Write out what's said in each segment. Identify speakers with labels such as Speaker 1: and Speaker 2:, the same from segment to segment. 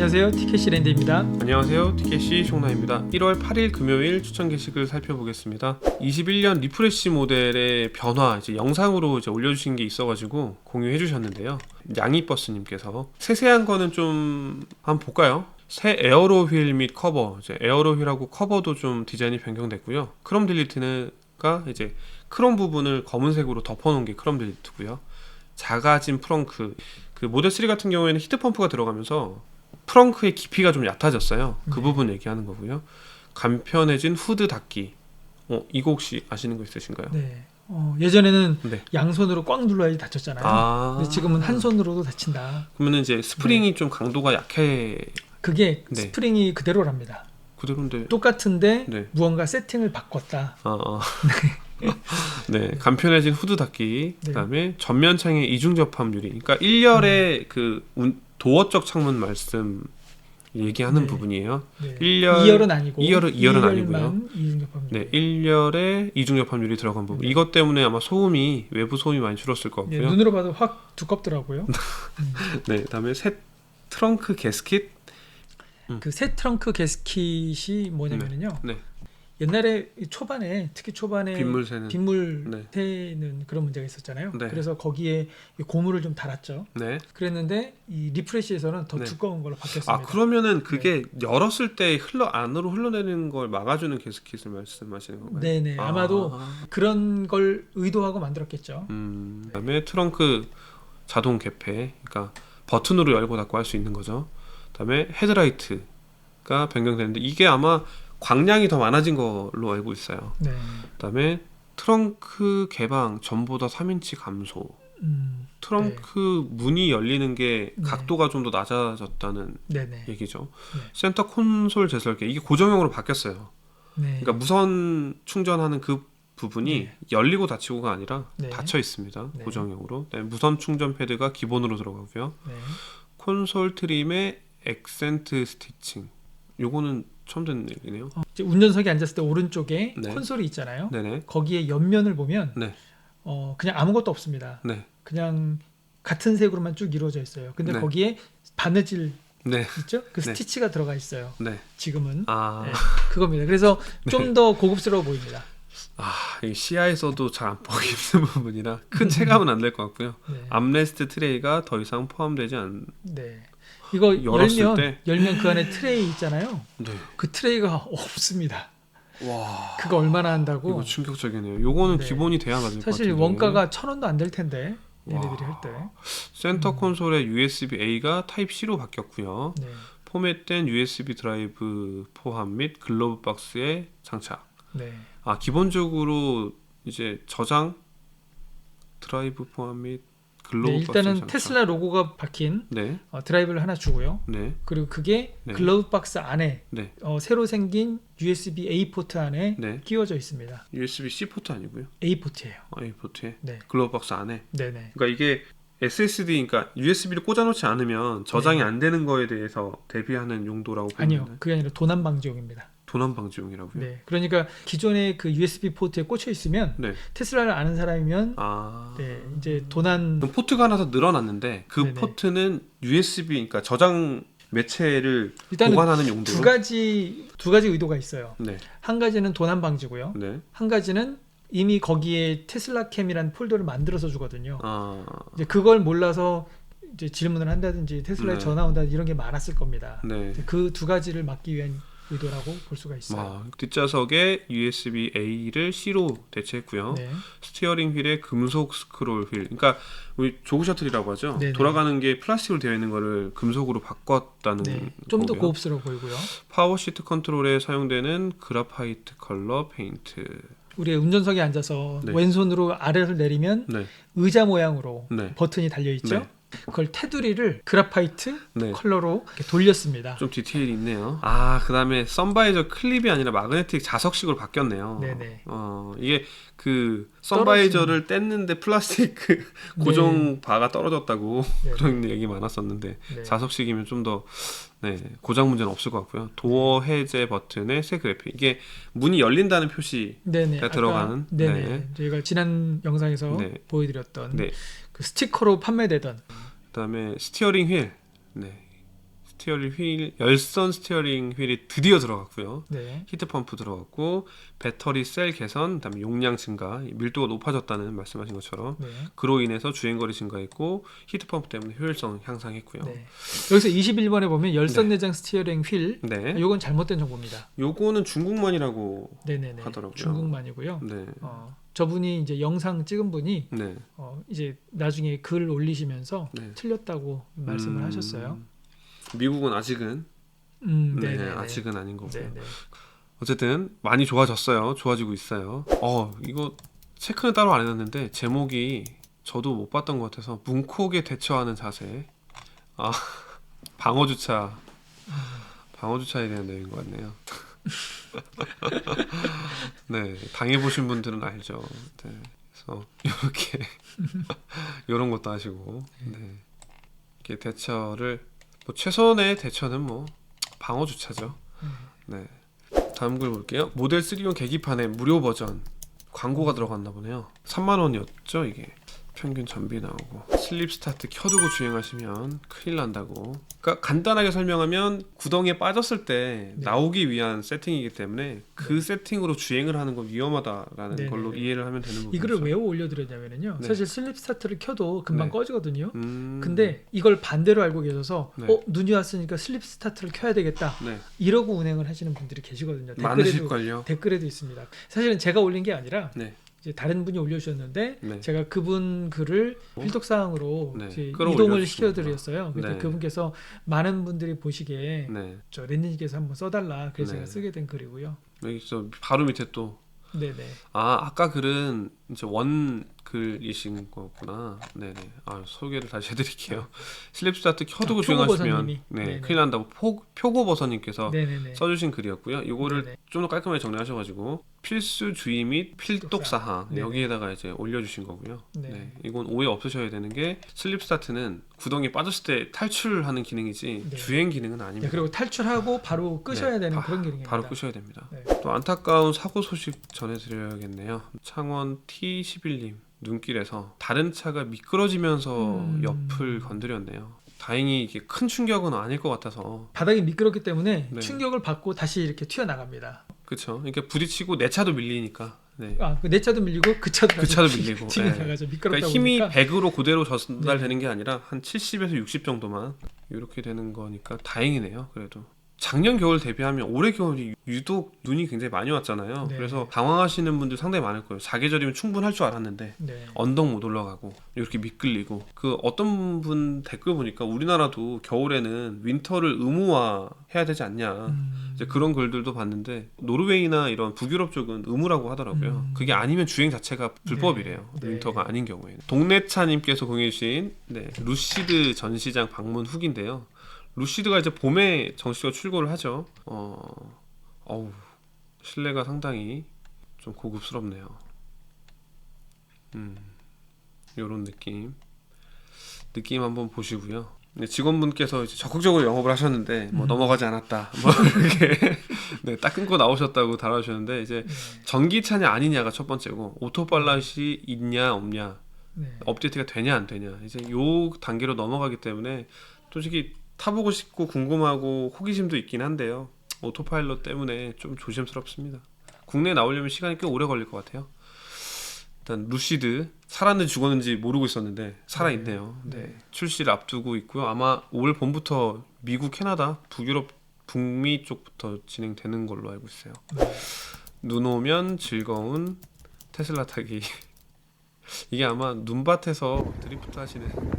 Speaker 1: 안녕하세요, 티켓시 랜드입니다.
Speaker 2: 안녕하세요, 티켓시 송나입니다. 1월 8일 금요일 추천 게시글 살펴보겠습니다. 21년 리프레시 모델의 변화 이제 영상으로 이제 올려주신 게 있어가지고 공유해 주셨는데요. 양이버스님께서 세세한 거는 좀 한번 볼까요? 새 에어로 휠 및 커버, 이제 에어로 휠하고 커버도 좀 디자인이 변경됐고요. 크롬 딜리트가 이제 크롬 부분을 검은색으로 덮어놓은 게 크롬 딜리트고요. 작아진 프렁크, 그 모델 3 같은 경우에는 히트 펌프가 들어가면서 프렁크의 깊이가 좀 얕아졌어요. 그 부분 얘기하는 거고요. 간편해진 후드 닫기. 이거 혹시 아시는 거 있으신가요?
Speaker 1: 네. 예전에는
Speaker 2: 네.
Speaker 1: 양손으로 꽉 눌러야지 닫혔잖아요. 근데 지금은 한 손으로도 닫힌다.
Speaker 2: 그러면 이제 스프링이 좀 강도가 약해.
Speaker 1: 그게 스프링이 그대로랍니다.
Speaker 2: 그대로인데.
Speaker 1: 똑같은데 무언가 세팅을 바꿨다.
Speaker 2: 네, 간편해진 후드 닫기.
Speaker 1: 네.
Speaker 2: 그다음에 전면 창의 이중 접합 유리. 그러니까 1열의 그 도어적 창문 말씀 얘기하는 부분이에요.
Speaker 1: 네.
Speaker 2: 2열은
Speaker 1: 아니고
Speaker 2: 2열은 아니고요.
Speaker 1: 이중 접합 유리.
Speaker 2: 네, 1열에 이중 접합 유리 들어간 부분. 이것 때문에 아마 외부 소음이 많이 줄었을 것 같고요.
Speaker 1: 눈으로 봐도 확 두껍더라고요.
Speaker 2: 네, 그다음에 새 트렁크 게스킷.
Speaker 1: 그 새 트렁크 게스킷이 뭐냐면요.
Speaker 2: 네.
Speaker 1: 옛날에 초반에 특히 초반에
Speaker 2: 빗물 새는
Speaker 1: 그런 문제가 있었잖아요.
Speaker 2: 네.
Speaker 1: 그래서 거기에 고무를 좀 달았죠.
Speaker 2: 네.
Speaker 1: 그랬는데 이 리프레시에서는 더 두꺼운 걸로 바뀌었습니다.
Speaker 2: 그러면은 그게 열었을 때 안으로 흘러내리는 걸 막아주는 게스킷을 말씀하시는 건가요?
Speaker 1: 네네. 아마도 그런 걸 의도하고 만들었겠죠.
Speaker 2: 그다음에 트렁크 자동 개폐, 그러니까 버튼으로 열고 닫고 할 수 있는 거죠. 그다음에 헤드라이트가 변경되는데 이게 아마 광량이 더 많아진 걸로 알고 있어요.
Speaker 1: 네.
Speaker 2: 그다음에 트렁크 개방 전보다 3인치 감소. 트렁크 문이 열리는 게 각도가 좀 더 낮아졌다는 얘기죠. 센터 콘솔 재설계, 이게 고정형으로 바뀌었어요. 그러니까 무선 충전하는 그 부분이 열리고 닫히고가 아니라 닫혀 있습니다. 고정형으로. 무선 충전 패드가 기본으로 들어가고요. 콘솔 트림의 액센트 스티칭. 요거는 처음 듣는 얘기네요.
Speaker 1: 운전석에 앉았을 때 오른쪽에 콘솔이 있잖아요. 거기에 옆면을 보면 그냥 아무것도 없습니다. 그냥 같은 색으로만 쭉 이루어져 있어요. 근데 거기에 바느질 있죠? 그 스티치가 들어가 있어요. 지금은 그겁니다. 그래서 좀 더 고급스러워 보입니다.
Speaker 2: 이 시야에서도 잘 안 보기 힘든 부분이라 큰 체감은 안 될 것 같고요. 암레스트 트레이가 더 이상 포함되지 않.
Speaker 1: 이거 열면 그 안에 트레이 있잖아요.
Speaker 2: 네.
Speaker 1: 그 트레이가 없습니다.
Speaker 2: 와.
Speaker 1: 그거 얼마나 한다고?
Speaker 2: 이거 충격적이네요. 요거는 기본이 돼야 맞을 것 같은데.
Speaker 1: 사실 원가가 1,000원도 안 될 텐데 얘네들이 할 때.
Speaker 2: 센터 콘솔의 USB-A가 타입C로 바뀌었고요. 포맷된 USB 드라이브 포함 및 글러브 박스에 장착. 기본적으로 이제 저장 드라이브 포함 및 글러브
Speaker 1: 일단은
Speaker 2: 박스
Speaker 1: 테슬라 로고가 박힌 드라이브를 하나 주고요. 그리고 그게 글러브 박스 안에 새로 생긴 USB-A 포트 안에 끼워져 있습니다.
Speaker 2: USB-C 포트 아니고요?
Speaker 1: A 포트예요.
Speaker 2: A 포트에 글러브 박스 안에.
Speaker 1: 네네.
Speaker 2: 그러니까 이게 SSD, 그러니까 USB를 꽂아놓지 않으면 저장이 안 되는 거에 대해서 대비하는 용도라고 보면
Speaker 1: 아니요, 그게 아니라 도난 방지용입니다.
Speaker 2: 도난 방지용이라고요?
Speaker 1: 네, 그러니까 기존의 그 USB 포트에 꽂혀 있으면 테슬라를 아는 사람이면 이제 도난.
Speaker 2: 포트가 하나 더 늘어났는데 그 포트는 USB, 그러니까 저장 매체를 보관하는 용도로 두 가지
Speaker 1: 의도가 있어요. 한 가지는 도난 방지고요. 한 가지는 이미 거기에 테슬라 캠이라는 폴더를 만들어서 주거든요. 이제 그걸 몰라서 이제 질문을 한다든지 테슬라에 전화 온다든지 이런 게 많았을 겁니다. 그 두 가지를 막기 위한 의도라고 볼 수가 있어요.
Speaker 2: 뒷좌석에 USB-A를 C로 대체했고요. 스티어링 휠에 금속 스크롤 휠, 그러니까 우리 조그 셔틀이라고 하죠. 돌아가는 게 플라스틱으로 되어 있는 거를 금속으로 바꿨다는
Speaker 1: 좀 더 고급스러워 보이고요.
Speaker 2: 파워 시트 컨트롤에 사용되는 그라파이트 컬러 페인트.
Speaker 1: 우리 운전석에 앉아서 왼손으로 아래를 내리면 의자 모양으로 버튼이 달려 있죠. 그걸 테두리를 그라파이트 컬러로 이렇게 돌렸습니다.
Speaker 2: 좀 디테일이 있네요. 그다음에 선바이저 클립이 아니라 마그네틱 자석식으로 바뀌었네요. 이게 그 선바이저를 뗐는데 플라스틱 그 고정 바가 떨어졌다고 그런 얘기 많았었는데 자석식이면 좀 더 고장 문제는 없을 것 같고요. 도어 해제 버튼에 새 그래픽. 이게 문이 열린다는 표시가 들어가는.
Speaker 1: 저희가 지난 영상에서 보여드렸던 그 스티커로 판매되던.
Speaker 2: 그다음에 스티어링 휠. 스티어링 휠, 열선 스티어링 휠이 드디어 들어갔고요.
Speaker 1: 네.
Speaker 2: 히트 펌프 들어갔고 배터리 셀 개선, 그다음에 용량 증가, 밀도가 높아졌다는 말씀하신 것처럼
Speaker 1: 네.
Speaker 2: 그로 인해서 주행거리 증가했고 히트 펌프 때문에 효율성 향상했고요.
Speaker 1: 네. 여기서 21번에 보면 열선
Speaker 2: 네.
Speaker 1: 내장 스티어링 휠,
Speaker 2: 네.
Speaker 1: 요건 잘못된 정보입니다.
Speaker 2: 요거는 중국만이라고
Speaker 1: 네네네.
Speaker 2: 하더라고요.
Speaker 1: 중국만이고요.
Speaker 2: 네.
Speaker 1: 저분이 이제 영상 찍은 분이
Speaker 2: 네.
Speaker 1: 이제 나중에 글 올리시면서
Speaker 2: 네.
Speaker 1: 틀렸다고 말씀을 하셨어요.
Speaker 2: 미국은 아직은 네, 아직은 아닌 거고요.
Speaker 1: 네네.
Speaker 2: 어쨌든 많이 좋아졌어요. 좋아지고 있어요. 이거 체크는 따로 안 해놨는데 제목이 저도 못 봤던 것 같아서 문콕에 대처하는 자세. 방어 주차에 대한 내용인 것 같네요. 네, 당해보신 분들은 알죠. 네, 그래서 이렇게 이런 것도 하시고, 네, 이렇게 대처를 최선의 대처는 방어 주차죠. 네, 다음 글 볼게요. 모델 3용 계기판에 무료 버전 광고가 들어갔나 보네요. 3만 원이었죠 이게. 평균 전비 나오고 슬립 스타트 켜두고 주행하시면 큰일 난다고. 그러니까 간단하게 설명하면 구덩이에 빠졌을 때 나오기 위한 세팅이기 때문에 그 세팅으로 주행을 하는 건 위험하다라는 걸로 이해를 하면 되는 부분이죠.
Speaker 1: 이 글을 왜 올려드렸냐면요. 사실 슬립 스타트를 켜도 금방 꺼지거든요. 근데 이걸 반대로 알고 계셔서 눈이 왔으니까 슬립 스타트를 켜야 되겠다. 이러고 운행을 하시는 분들이 계시거든요.
Speaker 2: 많으실걸요.
Speaker 1: 댓글에도 있습니다. 사실은 제가 올린 게 아니라 이제 다른 분이 올려주셨는데 제가 그분 글을 필독사항으로 이동을 시켜드렸어요. 그때 그분께서 많은 분들이 보시기에 저 랜님께서 한번 써달라. 그래서 제가 쓰게 된 글이고요.
Speaker 2: 여기서 바로 밑에 또 아까 글은 이제 원 글이신 거구나. 네네. 소개를 다시 해드릴게요. 슬립 스타트 켜두고 주행하시면 큰일 난다고 표고버섯님께서 써주신 글이었고요. 이거를 좀 더 깔끔하게 정리하셔가지고 필수 주의 및 필독 사항 여기에다가 이제 올려주신 거고요. 네. 이건 오해 없으셔야 되는 게 슬립 스타트는 구덩이에 빠졌을 때 탈출하는 기능이지 주행 기능은 아닙니다.
Speaker 1: 그리고 탈출하고 바로 끄셔야 되는 그런 기능입니다.
Speaker 2: 바로 끄셔야 됩니다. 또 안타까운 사고 소식 전해드려야겠네요. 창원 T11님 눈길에서 다른 차가 미끄러지면서 옆을 건드렸네요. 다행히 이게 큰 충격은 아닐 것 같아서.
Speaker 1: 바닥이 미끄럽기 때문에 충격을 받고 다시 이렇게 튀어나갑니다.
Speaker 2: 그렇죠. 그러니까 부딪히고 내 차도 밀리니까.
Speaker 1: 내 차도 밀리고 그 차도
Speaker 2: 밀리고.
Speaker 1: 나가죠. 미끄럽다
Speaker 2: 그러니까 힘이 100으로 그대로 전달되는 게 아니라 한 70에서 60 정도만 이렇게 되는 거니까 다행이네요. 그래도. 작년 겨울 대비하면 올해 겨울이 유독 눈이 굉장히 많이 왔잖아요. 그래서 당황하시는 분들 상당히 많을 거예요. 사계절이면 충분할 줄 알았는데 언덕 못 올라가고 이렇게 미끌리고. 어떤 분 댓글 보니까 우리나라도 겨울에는 윈터를 의무화해야 되지 않냐 이제 그런 글들도 봤는데 노르웨이나 이런 북유럽 쪽은 의무라고 하더라고요. 그게 아니면 주행 자체가 불법이래요. 윈터가 아닌 경우에는. 동네차님께서 공유해주신 루시드 전시장 방문 후기인데요. 루시드가 이제 봄에 정식으로 출고를 하죠. 실내가 상당히 좀 고급스럽네요. 요런 느낌 한번 보시고요. 직원분께서 이제 적극적으로 영업을 하셨는데 넘어가지 않았다. 이렇게 딱 끊고 나오셨다고 달아주셨는데 이제 전기차냐 아니냐가 첫 번째고 오토팔럿이 있냐 없냐 업데이트가 되냐 안 되냐 이제 요 단계로 넘어가기 때문에 솔직히 타보고 싶고 궁금하고 호기심도 있긴 한데요. 오토파일럿 때문에 좀 조심스럽습니다. 국내에 나오려면 시간이 꽤 오래 걸릴 것 같아요. 일단 루시드 살았는지 죽었는지 모르고 있었는데 살아있네요. 출시를 앞두고 있고요. 아마 올 봄부터 미국, 캐나다, 북유럽, 북미 쪽부터 진행되는 걸로 알고 있어요. 눈 오면 즐거운 테슬라 타기. 이게 아마 눈밭에서 드리프트 하시는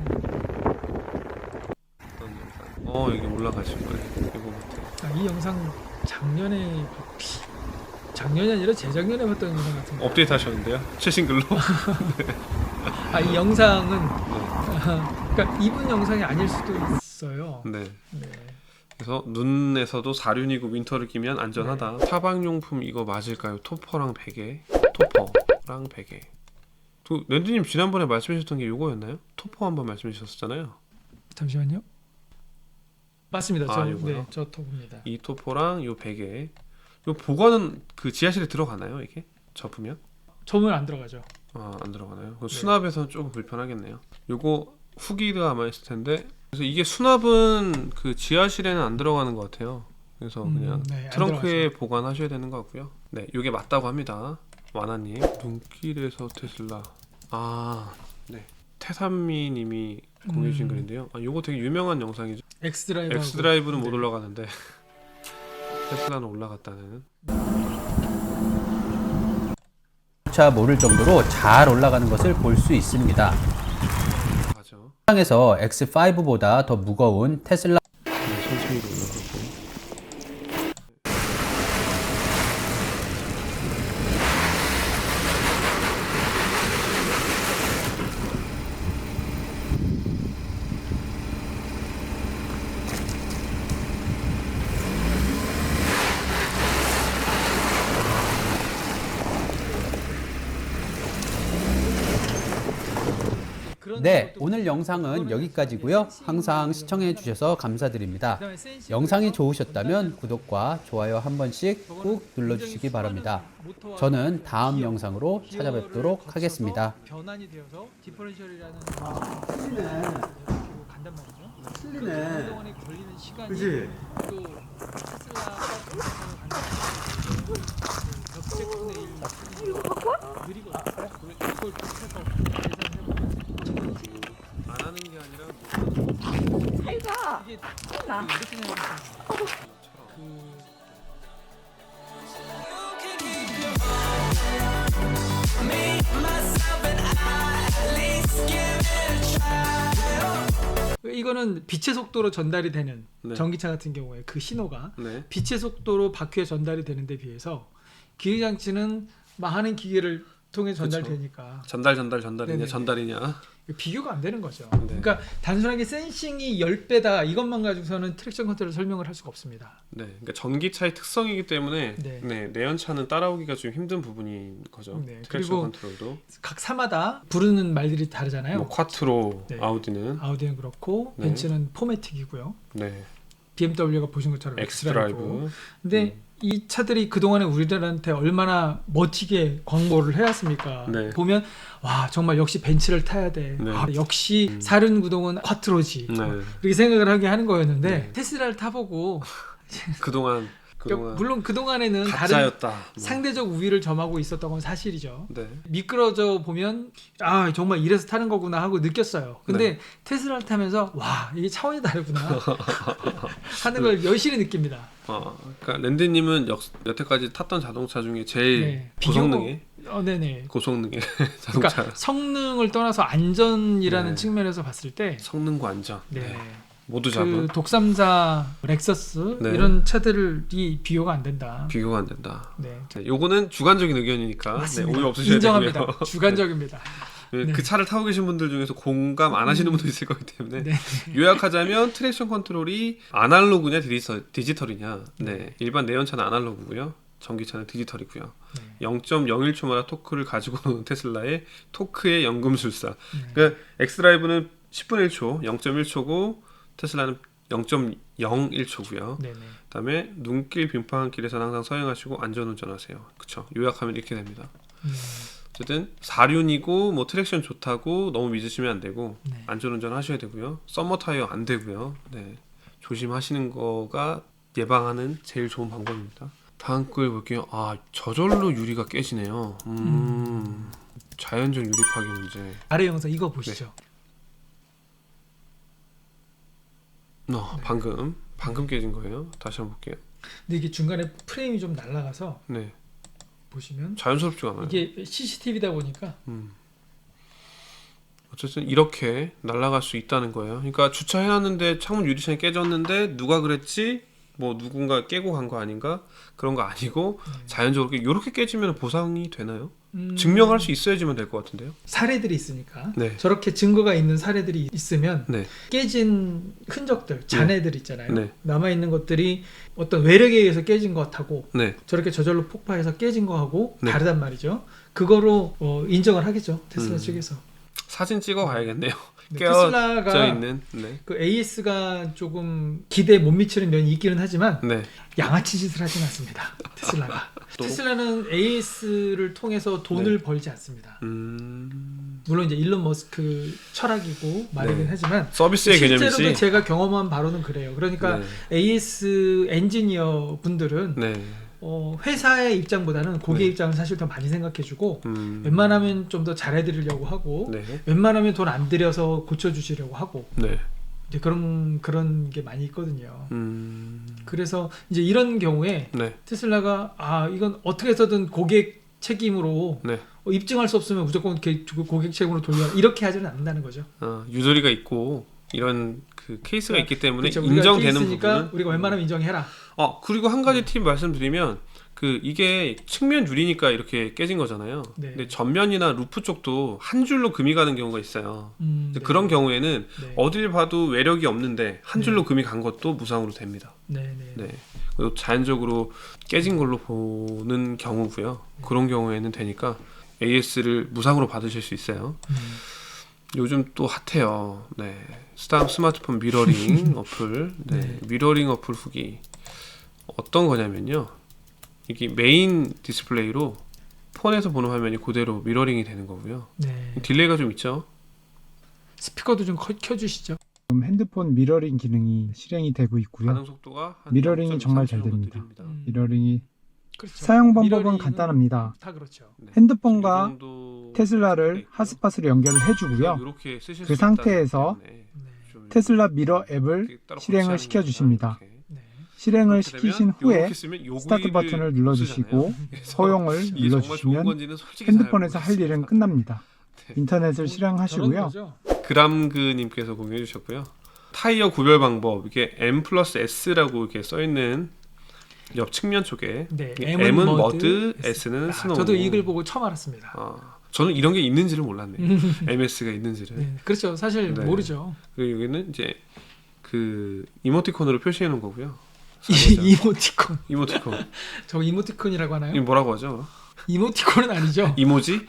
Speaker 2: 여기 올라가실 거예요. 이거 같아요.
Speaker 1: 이 영상 작년이 아니라 재작년에 봤던 영상 같은데.
Speaker 2: 업데이트 하셨는데요? 최신 글로?
Speaker 1: 이 영상은 그러니까 이분 영상이 아닐 수도 있어요.
Speaker 2: 그래서 눈에서도 사륜이고 윈터를 끼면 안전하다. 타방용품 이거 맞을까요? 토퍼랑 베개. 토퍼랑 베개. 랜드님 지난번에 말씀하셨던 게 이거였나요? 토퍼 한번 말씀해 주셨잖아요.
Speaker 1: 잠시만요. 맞습니다. 저 토퍼입니다.
Speaker 2: 이 토퍼랑 요 베개. 요 보관은 그 지하실에 들어가나요? 이게 접으면?
Speaker 1: 접으면 안 들어가죠.
Speaker 2: 안 들어가나요? 수납에서는 조금 불편하겠네요. 요거 후기가 아마 있을 텐데 그래서 이게 수납은 그 지하실에는 안 들어가는 것 같아요. 그래서 그냥
Speaker 1: 네,
Speaker 2: 트렁크에 보관하셔야 되는 것 같고요. 네, 이게 맞다고 합니다. 와나님. 눈길에서 테슬라. 네. 태산미님이 공유해 주신 글인데요. 요거 되게 유명한 영상이죠. 엑스드라이브는 못 올라가는데 테슬라는 올라갔다는.
Speaker 3: 차 모를 정도로 잘 올라가는 것을 볼 수 있습니다. 시장에서 X5보다 더 무거운 테슬라
Speaker 2: 천천히 올라가고.
Speaker 3: 네, 오늘 영상은 여기까지고요. 항상 시청해 주셔서 감사드립니다. 영상이 좋으셨다면 구독과 좋아요 한 번씩 꾹 눌러주시기 바랍니다. 저는 다음 영상으로 찾아뵙도록 하겠습니다.
Speaker 1: 변환이 되어서 디퍼런셜이라는 간단 말이죠.
Speaker 4: 틀리네.
Speaker 1: 그동안에 걸리는 시간이
Speaker 4: 그치?
Speaker 1: 또 테슬라가 벽제분의 1 느리거든요. 그걸 좀 해서 계산해보면
Speaker 2: 안 하는 게 아니라
Speaker 5: 해가
Speaker 1: 이게
Speaker 5: 나.
Speaker 1: 이렇게 생각하면 이거는 빛의 속도로 전달이 되는
Speaker 2: 네.
Speaker 1: 전기차 같은 경우에 그 신호가
Speaker 2: 네.
Speaker 1: 빛의 속도로 바퀴에 전달이 되는 데 비해서 기계장치는 많은 기계를 통해 전달되니까
Speaker 2: 전달이냐
Speaker 1: 네네.
Speaker 2: 전달이냐.
Speaker 1: 비교가 안 되는 거죠.
Speaker 2: 네.
Speaker 1: 그러니까 단순하게 센싱이 10배다 이것만 가지고서는 트랙션 컨트롤을 설명을 할 수가 없습니다.
Speaker 2: 네, 그러니까 전기차의 특성이기 때문에
Speaker 1: 네.
Speaker 2: 내연차는 따라오기가 좀 힘든 부분인 거죠.
Speaker 1: 네,
Speaker 2: 트랙션
Speaker 1: 그리고
Speaker 2: 컨트롤도.
Speaker 1: 각 사마다 부르는 말들이 다르잖아요.
Speaker 2: 뭐 콰트로,
Speaker 1: 네.
Speaker 2: 아우디는
Speaker 1: 아우디는 그렇고
Speaker 2: 네.
Speaker 1: 벤츠는 포매틱이고요.
Speaker 2: 네,
Speaker 1: BMW가 보신 것처럼
Speaker 2: 엑스드라이브.
Speaker 1: 근데 이 차들이 그동안에 우리들한테 얼마나 멋지게 광고를 해왔습니까?
Speaker 2: 네.
Speaker 1: 보면 와 정말 역시 벤츠를 타야 돼.
Speaker 2: 네.
Speaker 1: 역시 사륜구동은 콰트로지.
Speaker 2: 네.
Speaker 1: 그렇게 생각을 하게 하는 거였는데
Speaker 2: 네.
Speaker 1: 테슬라를 타보고
Speaker 2: 그동안
Speaker 1: 물론 그동안에는 다른
Speaker 2: 가짜였다. 뭐.
Speaker 1: 상대적 우위를 점하고 있었던 건 사실이죠.
Speaker 2: 네.
Speaker 1: 미끄러져 보면 정말 이래서 타는 거구나 하고 느꼈어요. 근데 테슬라를 타면서 와 이게 차원이 다르구나 하는 걸 여실히 느낍니다.
Speaker 2: 그러니까 랜디님은 여태까지 탔던 자동차 중에 제일 고성능의
Speaker 1: 네네.
Speaker 2: 고성능의 자동차.
Speaker 1: 그러니까 성능을 떠나서 안전이라는 측면에서 봤을 때
Speaker 2: 성능과 안전.
Speaker 1: 네.
Speaker 2: 모두 잡은.
Speaker 1: 그 독삼사, 렉서스 이런 차들이 비교가 안 된다.
Speaker 2: 비교가 안 된다.
Speaker 1: 네.
Speaker 2: 요거는 주관적인 의견이니까
Speaker 1: 맞습니다.
Speaker 2: 오해 없으셔야
Speaker 1: 인정합니다.
Speaker 2: 되고요.
Speaker 1: 주관적입니다.
Speaker 2: 그 차를 타고 계신 분들 중에서 공감 안 하시는 분도 있을 거기 때문에
Speaker 1: 네.
Speaker 2: 요약하자면 트랙션 컨트롤이 아날로그냐 디지털이냐. 네. 일반 내연차는 아날로그고요. 전기차는 디지털이고요. 0.01초마다 토크를 가지고 노는 테슬라의 토크의 연금술사. 그러니까 엑스드라이브는 10분의 1초, 0.1초고 테슬라는 0.01초고요. 그다음에 눈길 빙판길에서는 항상 서행하시고 안전운전하세요. 그렇죠. 요약하면 이렇게 됩니다. 어쨌든 사륜이고 뭐 트랙션 좋다고 너무 믿으시면 안 되고 안전운전 하셔야 되고요. 썸머 타이어 안 되고요. 네. 조심하시는 거가 예방하는 제일 좋은 방법입니다. 다음 글 볼게요. 저절로 유리가 깨지네요. 자연적 유리 파괴 문제.
Speaker 1: 아래 영상 이거 보시죠.
Speaker 2: 방금 깨진 거예요. 다시 한번 볼게요.
Speaker 1: 근데 이게 중간에 프레임이 좀 날아가서
Speaker 2: 네.
Speaker 1: 보시면
Speaker 2: 자연스럽지가 않아요.
Speaker 1: 이게 CCTV다 보니까
Speaker 2: 어쨌든 이렇게 날아갈 수 있다는 거예요. 그러니까 주차해놨는데 창문 유리창이 깨졌는데 누가 그랬지? 뭐 누군가 깨고 간 거 아닌가? 그런 거 아니고 자연적으로 이렇게 깨지면 보상이 되나요? 증명할 수 있어야지만 될 것 같은데요.
Speaker 1: 사례들이 있으니까
Speaker 2: 네.
Speaker 1: 저렇게 증거가 있는 사례들이 있으면
Speaker 2: 네.
Speaker 1: 깨진 흔적들, 잔해들 있잖아요.
Speaker 2: 네.
Speaker 1: 남아있는 것들이 어떤 외력에 의해서 깨진 것하고
Speaker 2: 네.
Speaker 1: 저렇게 저절로 폭파해서 깨진 거하고
Speaker 2: 네.
Speaker 1: 다르단 말이죠. 그거로 인정을 하겠죠. 테슬라 측에서.
Speaker 2: 사진 찍어 가야겠네요.
Speaker 1: 테슬라가
Speaker 2: 있는
Speaker 1: 그 AS가 조금 기대에 못 미치는 면이 있기는 하지만 양아치 짓을 하진 않습니다. 테슬라가. 테슬라는 AS를 통해서 돈을 벌지 않습니다. 물론 이제 일론 머스크 철학이고 말이긴
Speaker 2: 네.
Speaker 1: 하지만
Speaker 2: 서비스의 개념이지.
Speaker 1: 실제로도 제가 경험한 바로는 그래요. 그러니까
Speaker 2: 네.
Speaker 1: AS 엔지니어 분들은
Speaker 2: 네.
Speaker 1: 회사의 입장보다는 고객
Speaker 2: 네.
Speaker 1: 입장을 사실 더 많이 생각해주고 웬만하면 좀 더 잘해드리려고 하고
Speaker 2: 네.
Speaker 1: 웬만하면 돈 안 들여서 고쳐주시려고 하고
Speaker 2: 네.
Speaker 1: 이제 그런 게 많이 있거든요. 그래서 이제 이런 경우에
Speaker 2: 네.
Speaker 1: 테슬라가 이건 어떻게 해서든 고객 책임으로
Speaker 2: 네.
Speaker 1: 입증할 수 없으면 무조건 이렇게 고객 책임으로 돌려 이렇게 하지는 않는다는 거죠.
Speaker 2: 유도리가 있고 이런 그 케이스가 있기 때문에
Speaker 1: 그렇죠.
Speaker 2: 인정되는
Speaker 1: 부분은
Speaker 2: 부분은
Speaker 1: 우리가 웬만하면 인정해라.
Speaker 2: 그리고 한 가지 팁 말씀드리면 이게 측면 유리니까 이렇게 깨진 거잖아요.
Speaker 1: 네.
Speaker 2: 근데 전면이나 루프 쪽도 한 줄로 금이 가는 경우가 있어요.
Speaker 1: 네.
Speaker 2: 그런 경우에는
Speaker 1: 네.
Speaker 2: 어딜 봐도 외력이 없는데 한 줄로
Speaker 1: 네.
Speaker 2: 금이 간 것도 무상으로 됩니다.
Speaker 1: 네.
Speaker 2: 네. 그리고 자연적으로 깨진 걸로 보는 경우고요. 그런 경우에는 되니까 AS를 무상으로 받으실 수 있어요. 요즘 또 핫해요. 네. 스마트폰 미러링 어플. 네.
Speaker 1: 네.
Speaker 2: 미러링 어플 후기. 어떤 거냐면요. 이게 메인 디스플레이로 폰에서 보는 화면이 그대로 미러링이 되는 거고요.
Speaker 1: 네.
Speaker 2: 딜레이가 좀 있죠.
Speaker 1: 스피커도 좀 켜주시죠.
Speaker 4: 지금 핸드폰 미러링 기능이 실행이 되고 있고요.
Speaker 2: 반응 속도가 한
Speaker 4: 미러링이
Speaker 2: 0.23
Speaker 4: 정말 잘
Speaker 2: 정도
Speaker 4: 됩니다.
Speaker 2: 느립니다.
Speaker 4: 미러링이
Speaker 1: 그렇죠.
Speaker 4: 사용 방법은
Speaker 1: 미러링은
Speaker 4: 간단합니다.
Speaker 1: 다 그렇죠.
Speaker 2: 네.
Speaker 4: 핸드폰과
Speaker 2: 이 정도
Speaker 4: 테슬라를
Speaker 2: 있고요.
Speaker 4: 핫스팟으로 연결을 해주고요.
Speaker 2: 이렇게 쓰실
Speaker 4: 그
Speaker 2: 수 있다는
Speaker 4: 상태에서
Speaker 2: 때문에
Speaker 1: 네.
Speaker 2: 좀
Speaker 4: 테슬라 미러
Speaker 2: 이렇게
Speaker 4: 앱을
Speaker 2: 따로
Speaker 4: 실행을
Speaker 2: 거치하는
Speaker 4: 시켜주십니다.
Speaker 2: 거니까 이렇게.
Speaker 1: 네.
Speaker 4: 실행을
Speaker 2: 그렇게
Speaker 4: 시키신
Speaker 2: 되면
Speaker 4: 후에
Speaker 2: 이렇게 쓰면 요구일을
Speaker 4: 스타트 버튼을 눌러주시고
Speaker 2: 쓰잖아요. 그래서
Speaker 4: 허용을
Speaker 2: 이게 정말 좋은
Speaker 4: 눌러주시면
Speaker 2: 건지는 솔직히 잘
Speaker 4: 핸드폰에서 할 일은
Speaker 2: 모르겠습니다.
Speaker 4: 끝납니다.
Speaker 2: 네.
Speaker 4: 인터넷을
Speaker 1: 저런
Speaker 4: 실행하시고요.
Speaker 1: 거죠.
Speaker 2: 그람그님께서 공유해 주셨고요. 타이어 구별 방법 이게 M+S라고 이렇게 써 있는 옆 측면 쪽에
Speaker 1: 네.
Speaker 2: M은 머드, S는 스노우.
Speaker 1: 저도 이 글 보고 처음 알았습니다.
Speaker 2: 저는 이런 게 있는지를 몰랐네요. MS가 있는지를.
Speaker 1: 네. 그렇죠. 사실
Speaker 2: 네.
Speaker 1: 모르죠.
Speaker 2: 그리고 여기는 이제 그 이모티콘으로 표시해 놓은 거고요.
Speaker 1: 이모티콘.
Speaker 2: 이모티콘.
Speaker 1: 저 이모티콘이라고 하나요?
Speaker 2: 이 뭐라고 하죠?
Speaker 1: 이모티콘은 아니죠.
Speaker 2: 이모지?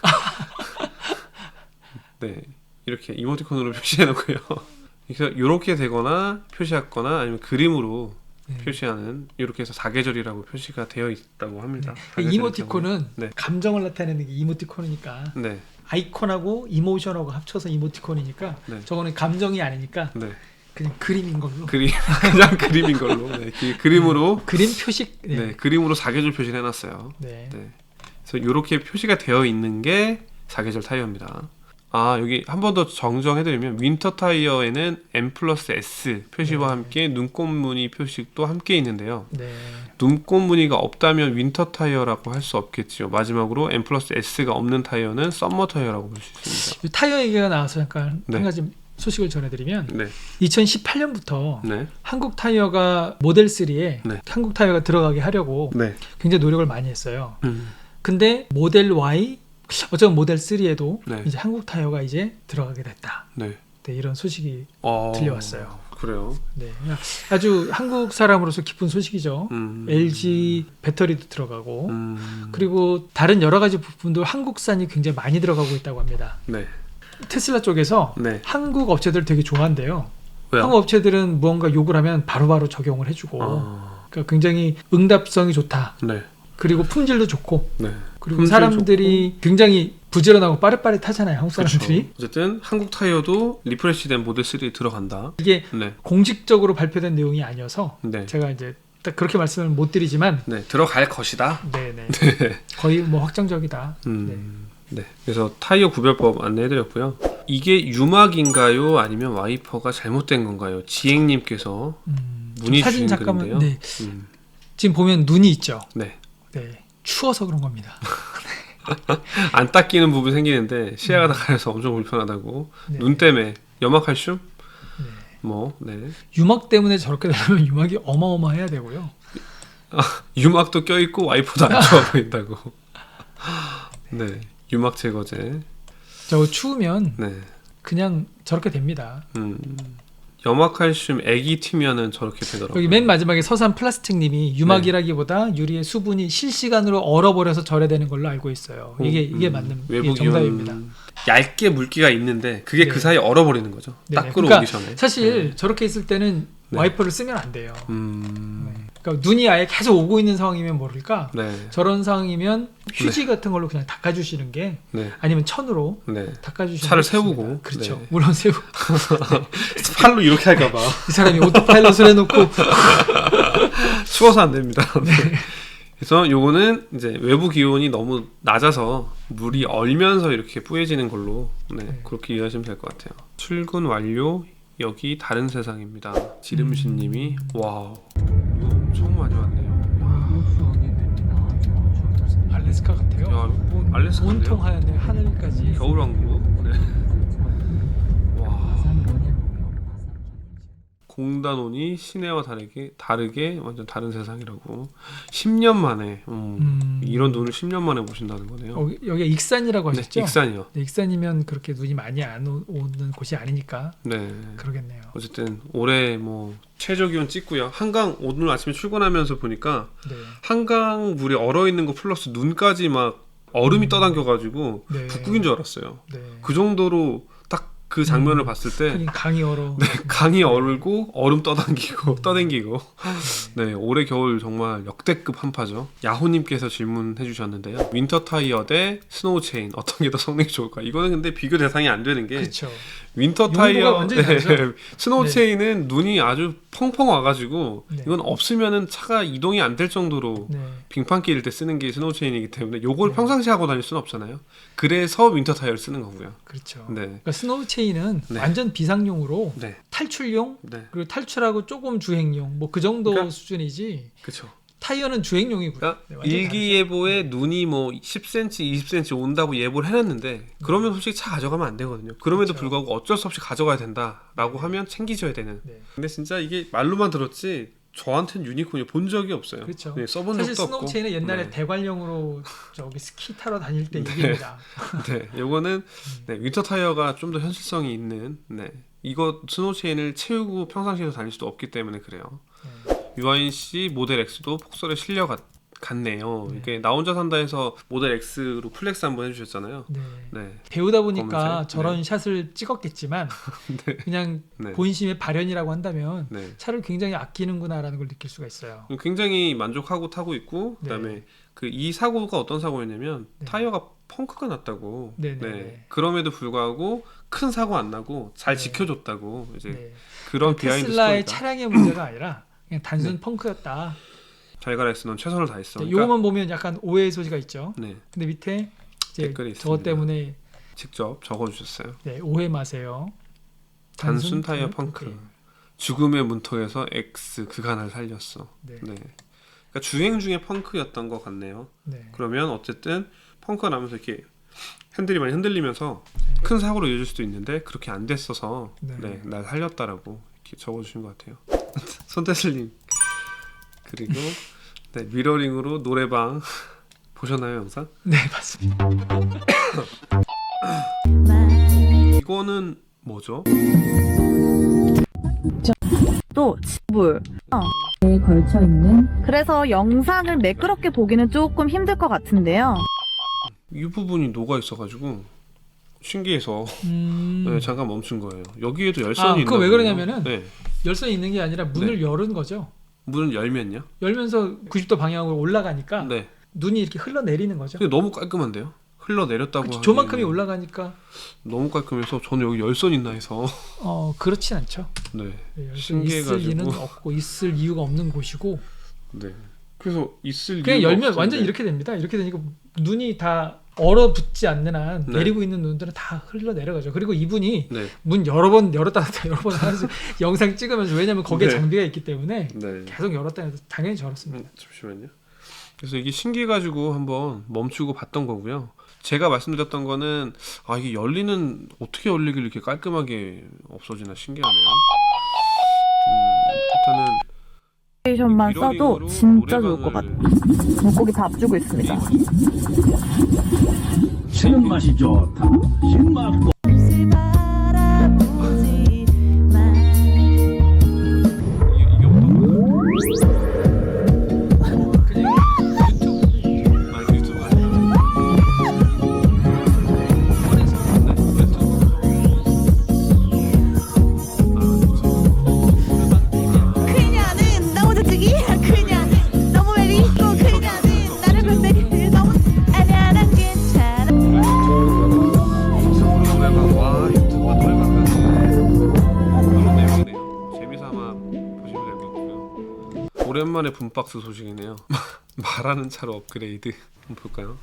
Speaker 2: 네, 이렇게 이모티콘으로 표시해 놓고요. 그래서 이렇게 되거나 표시하거나 아니면 그림으로
Speaker 1: 네.
Speaker 2: 표시하는 이렇게 해서 사계절이라고 표시가 되어 있다고 합니다.
Speaker 1: 네. 이모티콘은
Speaker 2: 네.
Speaker 1: 감정을 나타내는 게 이모티콘이니까
Speaker 2: 네,
Speaker 1: 아이콘하고 이모션하고 합쳐서 이모티콘이니까
Speaker 2: 네.
Speaker 1: 저거는 감정이 아니니까
Speaker 2: 네.
Speaker 1: 그냥 그림인 걸로.
Speaker 2: 그냥 그림인 걸로. 네, 그림으로.
Speaker 1: 그림 표식.
Speaker 2: 네.
Speaker 1: 네.
Speaker 2: 그림으로 사계절 표시를 해놨어요.
Speaker 1: 네.
Speaker 2: 네. 그래서 이렇게 표시가 되어 있는 게 사계절 타이어입니다. 여기 한 번 더 정정해드리면 윈터 타이어에는 M+S 표시와
Speaker 1: 네.
Speaker 2: 함께 눈꽃무늬 표식도 함께 있는데요.
Speaker 1: 네.
Speaker 2: 눈꽃무늬가 없다면 윈터 타이어라고 할 수 없겠죠. 마지막으로 M+S가 없는 타이어는 썸머 타이어라고 볼 수 있습니다.
Speaker 1: 이 타이어 얘기가 나와서 잠깐
Speaker 2: 네.
Speaker 1: 한 가지 소식을 전해드리면
Speaker 2: 네,
Speaker 1: 2018년부터
Speaker 2: 네,
Speaker 1: 한국 타이어가 모델 3에
Speaker 2: 네.
Speaker 1: 한국 타이어가 들어가게 하려고
Speaker 2: 네.
Speaker 1: 굉장히 노력을 많이 했어요. 근데 모델 Y 어쩌면 모델 3에도
Speaker 2: 네.
Speaker 1: 이제 한국 타이어가 이제 들어가게 됐다.
Speaker 2: 네.
Speaker 1: 네, 이런 소식이 들려왔어요.
Speaker 2: 그래요.
Speaker 1: 네, 아주 한국 사람으로서 기쁜 소식이죠. LG 배터리도 들어가고 그리고 다른 여러 가지 부품도 한국산이 굉장히 많이 들어가고 있다고 합니다.
Speaker 2: 네.
Speaker 1: 테슬라 쪽에서
Speaker 2: 네.
Speaker 1: 한국 업체들 되게 좋아한대요.
Speaker 2: 왜요?
Speaker 1: 한국 업체들은 무언가 요구를 하면 바로바로 적용을 해주고 그러니까 굉장히 응답성이 좋다.
Speaker 2: 네.
Speaker 1: 그리고 품질도 좋고
Speaker 2: 네.
Speaker 1: 그리고
Speaker 2: 품질
Speaker 1: 사람들이 굉장히 부지런하고 빠릿빠릿하잖아요. 한국 사람들이.
Speaker 2: 그렇죠. 어쨌든 한국 타이어도 리프레시된 모델 3에 들어간다.
Speaker 1: 이게
Speaker 2: 네.
Speaker 1: 공식적으로 발표된 내용이 아니어서
Speaker 2: 네.
Speaker 1: 제가 이제 딱 그렇게 말씀을 못 드리지만
Speaker 2: 네, 들어갈 것이다.
Speaker 1: 네네 거의 뭐 확정적이다.
Speaker 2: 네. 그래서 타이어 구별법 안내해드렸고요. 이게 유막인가요? 아니면 와이퍼가 잘못된 건가요? 지행님께서 문의
Speaker 1: 사진
Speaker 2: 주신
Speaker 1: 잠깐만.
Speaker 2: 글인데요.
Speaker 1: 네. 지금 보면 눈이 있죠.
Speaker 2: 네.
Speaker 1: 네. 추워서 그런 겁니다.
Speaker 2: 안 닦이는 부분 생기는데 시야가 다 가려서 엄청 불편하다고.
Speaker 1: 네.
Speaker 2: 눈 때문에 염화칼슘?
Speaker 1: 네.
Speaker 2: 뭐, 네.
Speaker 1: 유막 때문에 저렇게 되면 유막이 어마어마해야 되고요.
Speaker 2: 유막도 껴있고 와이퍼도 안 좋아 보인다고. 네. 유막 제거제.
Speaker 1: 저 추우면
Speaker 2: 네.
Speaker 1: 그냥 저렇게 됩니다.
Speaker 2: 염화칼슘 액이 튀면은 저렇게 되더라고요.
Speaker 1: 여기 맨 마지막에 서산 플라스틱님이 유막이라기보다 유리의 수분이 실시간으로 얼어버려서 절여되는 걸로 알고 있어요. 이게 맞는 이게
Speaker 2: 외부
Speaker 1: 정답입니다.
Speaker 2: 얇게 물기가 있는데 그게
Speaker 1: 네.
Speaker 2: 그 사이에 얼어버리는 거죠.
Speaker 1: 네.
Speaker 2: 딱 끌어오기
Speaker 1: 그러니까
Speaker 2: 전에.
Speaker 1: 사실 저렇게 있을 때는
Speaker 2: 네.
Speaker 1: 와이퍼를 쓰면 안 돼요. 그러니까 눈이 아예 계속 오고 있는 상황이면 모를까.
Speaker 2: 네.
Speaker 1: 저런 상황이면 휴지 같은 걸로 그냥 닦아주시는 게
Speaker 2: 네.
Speaker 1: 아니면 천으로
Speaker 2: 네.
Speaker 1: 닦아주시는
Speaker 2: 차를
Speaker 1: 게 좋습니다.
Speaker 2: 세우고.
Speaker 1: 그렇죠.
Speaker 2: 네.
Speaker 1: 물론 세우고
Speaker 2: 팔로 이렇게 할까봐
Speaker 1: 이 사람이 오토파일럿을 해놓고
Speaker 2: 추워서 안 됩니다. 네. 그래서 요거는 이제 외부 기온이 너무 낮아서 물이 얼면서 이렇게 뿌얘지는 걸로 그렇게 이해하시면 될 것 같아요. 출근 완료. 여기 다른 세상입니다. 지름신님이 와우 이거 엄청 많이 왔네요.
Speaker 1: 알래스카 같아요.
Speaker 2: 야, 뭐 알래스카인데요?
Speaker 1: 온통 하얀데 하늘까지.
Speaker 2: 겨울왕국. 네. 와. 공단원이 시내와 다르게 완전 다른 세상이라고. 10년 만에 이런 눈을 10년 만에 보신다는 거네요.
Speaker 1: 여기가 익산이라고 하셨죠?
Speaker 2: 네, 익산이요.
Speaker 1: 네, 익산이면 그렇게 눈이 많이 안 오는 곳이 아니니까.
Speaker 2: 네.
Speaker 1: 그러겠네요.
Speaker 2: 어쨌든 올해 뭐 최저 기온 찍고요. 한강 오늘 아침에 출근하면서 보니까
Speaker 1: 네.
Speaker 2: 한강 물이 얼어 있는 거 플러스 눈까지 막 얼음이 떠당겨가지고
Speaker 1: 네.
Speaker 2: 북극인 줄 알았어요.
Speaker 1: 네.
Speaker 2: 그 정도로 딱 그 장면을 봤을 때
Speaker 1: 하긴 강이 얼어.
Speaker 2: 네, 강이 얼고 얼음 떠당기고 네, 올해 겨울 정말 역대급 한파죠. 야호님께서 질문해 주셨는데요. 윈터 타이어 대 스노우 체인 어떤 게 더 성능이 좋을까? 이거는 근데 비교 대상이 안 되는 게
Speaker 1: 그렇죠.
Speaker 2: 윈터 타이어,
Speaker 1: 완전히 다르죠?
Speaker 2: 스노우
Speaker 1: 네.
Speaker 2: 체인은 눈이 아주 펑펑 와가지고
Speaker 1: 네.
Speaker 2: 이건 없으면은 차가 이동이 안 될 정도로
Speaker 1: 네.
Speaker 2: 빙판길일 때 쓰는 게 스노우 체인이기 때문에 요걸
Speaker 1: 네.
Speaker 2: 평상시에 하고 다닐 수는 없잖아요. 그래서 윈터 타이어를 쓰는 거고요.
Speaker 1: 그렇죠.
Speaker 2: 네.
Speaker 1: 그러니까 스노우 체인은
Speaker 2: 네.
Speaker 1: 완전 비상용으로
Speaker 2: 네.
Speaker 1: 탈출용
Speaker 2: 네.
Speaker 1: 그리고 탈출하고 조금 주행용 뭐 그 정도
Speaker 2: 그러니까-
Speaker 1: 수준이지.
Speaker 2: 그렇죠.
Speaker 1: 타이어는 주행용이고요.
Speaker 2: 그러니까
Speaker 1: 네, 완전히
Speaker 2: 일기예보에 눈이 뭐 10cm, 20cm 온다고 예보를 해놨는데 그러면 솔직히 차 가져가면 안 되거든요. 그럼에도
Speaker 1: 그렇죠.
Speaker 2: 불구하고 어쩔 수 없이 가져가야 된다라고 하면 챙기셔야 되는.
Speaker 1: 네.
Speaker 2: 근데 진짜 이게 말로만 들었지 저한테는 유니콘이 본 적이 없어요.
Speaker 1: 그렇죠.
Speaker 2: 네, 써본
Speaker 1: 사실
Speaker 2: 적도
Speaker 1: 스노우
Speaker 2: 없고.
Speaker 1: 체인은 옛날에
Speaker 2: 네.
Speaker 1: 대관령으로 저기 스키 타러 다닐 때 얘기입니다.
Speaker 2: 네, 요거는 네, 윈터 타이어가 좀 더 현실성이 있는. 네, 이거 스노우 체인을 채우고 평상시에서 다닐 수도 없기 때문에 그래요. 유아인 씨 모델 X도 폭설에 실려 갔네요.
Speaker 1: 네.
Speaker 2: 이게 나 혼자 산다에서 모델 X로 플렉스 한번 해주셨잖아요.
Speaker 1: 네.
Speaker 2: 네,
Speaker 1: 배우다 보니까
Speaker 2: 검은색?
Speaker 1: 저런 샷을 찍었겠지만 그냥
Speaker 2: 네.
Speaker 1: 본심의 발현이라고 한다면
Speaker 2: 네.
Speaker 1: 차를 굉장히 아끼는구나라는 걸 느낄 수가 있어요.
Speaker 2: 굉장히 만족하고 타고 있고
Speaker 1: 네.
Speaker 2: 그다음에 그 이 사고가 어떤 사고였냐면
Speaker 1: 네.
Speaker 2: 타이어가 펑크가 났다고.
Speaker 1: 네, 네, 네.
Speaker 2: 그럼에도 불구하고 큰 사고 안 나고 잘
Speaker 1: 네.
Speaker 2: 지켜줬다고 이제
Speaker 1: 네.
Speaker 2: 그런 비하인드
Speaker 1: 테슬라의
Speaker 2: 스토리가.
Speaker 1: 차량의 문제가 아니라 그냥 단순
Speaker 2: 네.
Speaker 1: 펑크였다.
Speaker 2: 자이가렉스는 최선을 다했어.
Speaker 1: 네,
Speaker 2: 그러니까,
Speaker 1: 요거만 보면 약간 오해의 소지가 있죠.
Speaker 2: 네,
Speaker 1: 근데 밑에 이제
Speaker 2: 댓글이
Speaker 1: 저것
Speaker 2: 있습니다.
Speaker 1: 때문에
Speaker 2: 직접 적어주셨어요.
Speaker 1: 네, 오해 마세요.
Speaker 2: 단순 타이어 펑크. 죽음의 문턱에서 X 그간을 살렸어.
Speaker 1: 네.
Speaker 2: 네. 그러니까 주행 중에 펑크였던 것 같네요.
Speaker 1: 네.
Speaker 2: 그러면 어쨌든 펑크가 나면서 이렇게 핸들이 많이 흔들리면서
Speaker 1: 네.
Speaker 2: 큰 사고로 이어질 수도 있는데 그렇게 안 됐어서
Speaker 1: 네.
Speaker 2: 네, 날 살렸다라고 이렇게 적어주신 것 같아요. 손태슬님 그리고 네, 미러링으로 노래방 보셨나요 영상?
Speaker 1: 네, 맞습니다.
Speaker 2: 이거는 뭐죠?
Speaker 5: 또 지불.
Speaker 6: 에 걸쳐 있는
Speaker 5: 그래서 영상을 매끄럽게 보기는 조금 힘들 것 같은데요.
Speaker 2: 이 부분이 녹아 있어가지고 신기해서 네, 잠깐 멈춘 거예요. 여기에도 열선이 있나
Speaker 1: 그거 왜
Speaker 2: 보네요.
Speaker 1: 그러냐면은
Speaker 2: 네.
Speaker 1: 열선이 있는 게 아니라 문을 여는 거죠.
Speaker 2: 문을 열면요?
Speaker 1: 열면서 90도 방향으로 올라가니까
Speaker 2: 네.
Speaker 1: 눈이 이렇게 흘러내리는 거죠.
Speaker 2: 근데 너무 깔끔한데요? 흘러내렸다고
Speaker 1: 그쵸,
Speaker 2: 하기에는
Speaker 1: 조만큼이 올라가니까
Speaker 2: 너무 깔끔해서 저는 여기 열선 있나 해서
Speaker 1: 그렇진 않죠.
Speaker 2: 네.
Speaker 1: 네, 열선이
Speaker 2: 신기해가지고.
Speaker 1: 있을 리는 없고 있을 이유가 없는 곳이고
Speaker 2: 네. 그래서 있을
Speaker 1: 그냥
Speaker 2: 이유가
Speaker 1: 열면
Speaker 2: 없었는데.
Speaker 1: 완전 이렇게 됩니다. 이렇게 되니까 눈이 다 얼어붙지 않는 한
Speaker 2: 네.
Speaker 1: 내리고 있는 눈들은 다 흘러내려가죠. 그리고 이분이
Speaker 2: 네.
Speaker 1: 문 여러 번 열었다 닫았다 여러 번 하면서 영상 찍으면서 왜냐면 거기에
Speaker 2: 네.
Speaker 1: 장비가 있기 때문에
Speaker 2: 네.
Speaker 1: 계속 열었다 닫았다 당연히 저렇습니다.
Speaker 2: 잠시만요. 그래서 이게 신기해가지고 한번 멈추고 봤던 거고요. 제가 말씀드렸던 거는 이게 열리는 어떻게 열리길 이렇게 깔끔하게 없어지나 신기하네요. 일단은
Speaker 5: 스테이션만 써도
Speaker 2: 미러링으로
Speaker 5: 진짜 좋을 것
Speaker 2: 노래방을
Speaker 5: 같아요. 물고기 다 앞주고 있습니다.
Speaker 7: 치는 맛이 좋다. 신맛
Speaker 2: 이게 어떤 거예요?
Speaker 1: 그냥
Speaker 2: 유튜브 아니에요? 네,
Speaker 5: 그녀는 너무 저쪽이 그녀
Speaker 2: 오랜만에 붐박스 소식이네요. 말하는 차로 업그레이드. 한번 볼까요?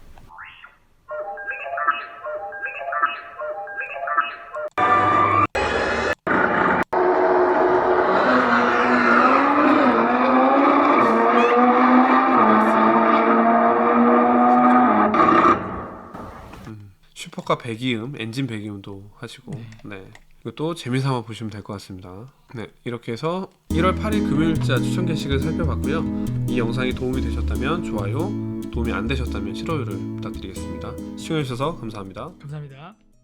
Speaker 2: 슈퍼카 배기음, 엔진 배기음도 하시고 네. 이것도 재미삼아 보시면 될 것 같습니다. 네, 이렇게 해서 1월 8일 금요일자 추천 게시글 살펴봤고요. 이 영상이 도움이 되셨다면 좋아요, 도움이 안 되셨다면 싫어요를 부탁드리겠습니다. 시청해주셔서 감사합니다.
Speaker 1: 감사합니다.